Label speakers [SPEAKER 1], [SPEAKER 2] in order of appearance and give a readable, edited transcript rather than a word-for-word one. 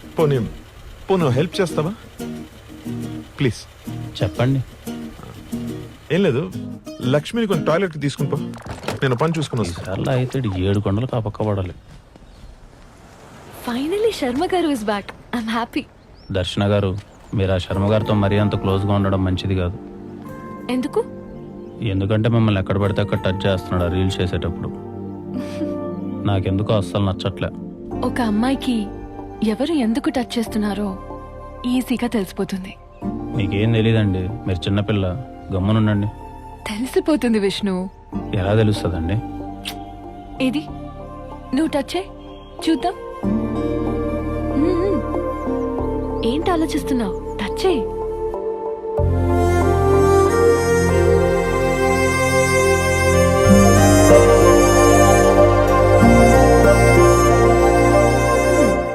[SPEAKER 1] పోనీ పోను హెల్ప్ చేస్తావా ప్లీజ్?
[SPEAKER 2] చెప్పండి.
[SPEAKER 1] ఏం లేదు, లక్ష్మిని కొన్ని టాయిలెట్కి తీసుకుని పో, నేను పని చూసుకుని వస్తాను.
[SPEAKER 2] ఈసార్లో అయితే 7 కొండలు కాపక్క పడాలి.
[SPEAKER 3] ఫైనలీ శర్మ గారు ఇస్ బ్యాక్. I'm happy.
[SPEAKER 2] దర్శన గారు, మీరు ఆ శర్మ గారితో మరీ అంత క్లోజ్గా ఉండడం మంచిది కాదు.
[SPEAKER 3] ఎందుకు?
[SPEAKER 2] ఎందుకంటే మిమ్మల్ని ఎక్కడ పడితే అక్కడ టచ్ చేస్తున్నాడు ఆ రీల్స్ చేసేటప్పుడు. నాకెందుకో అస్సలు నచ్చట్లే.
[SPEAKER 3] ఒక అమ్మాయికి ఎవరు ఎందుకు టచ్ చేస్తున్నారో ఈజీగా తెలిసిపోతుంది.
[SPEAKER 2] మీకేం తెలీదండి, మీరు చిన్నపిల్ల, గమ్మునుండండి.
[SPEAKER 3] తెలిసిపోతుంది విష్ణు.
[SPEAKER 2] ఎలా తెలుస్తుందండి?
[SPEAKER 3] ఏది నువ్వు టచ్ చేయి చూద్దాం. ఏంటి ఆలోచిస్తున్నావు? టచ్ చేయి.